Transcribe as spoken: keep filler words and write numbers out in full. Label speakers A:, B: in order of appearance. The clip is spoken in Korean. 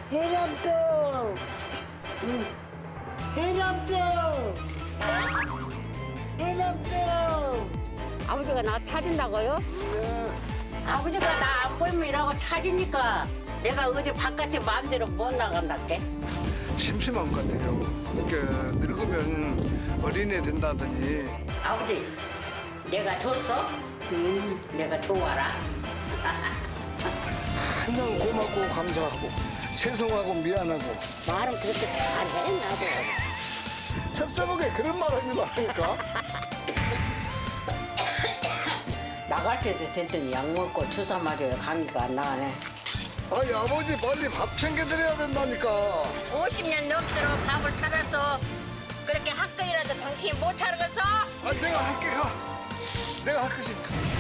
A: 해남도 해남도 해남도
B: 아버지가 나 찾은다고요? 아버지가 나 안 보이면 이라고 찾으니까 내가 어디 바깥에 마음대로 못 나간다께.
C: 심심한 것 같아요. 그러니까 늙으면 어린애 된다더니
B: 아버지, 내가 줬어? 응, 내가 좋아라.
C: 항상 고맙고 감사하고 죄송하고 미안하고
B: 말은 그렇게 잘해, 나도.
C: 섭섭하게 그런 말 하지 말라니까.
B: 나갈 때도 됐더니 약 먹고 주사 맞아요. 감기가 안 나가네.
C: 아니 아버지 빨리 밥 챙겨드려야 된다니까.
B: 오십 년 넘도록 밥을 차려서 그렇게 학교이라도 당신이 못 차리겠어?
C: 아 내가 할게 가. 내가 할 것이니까.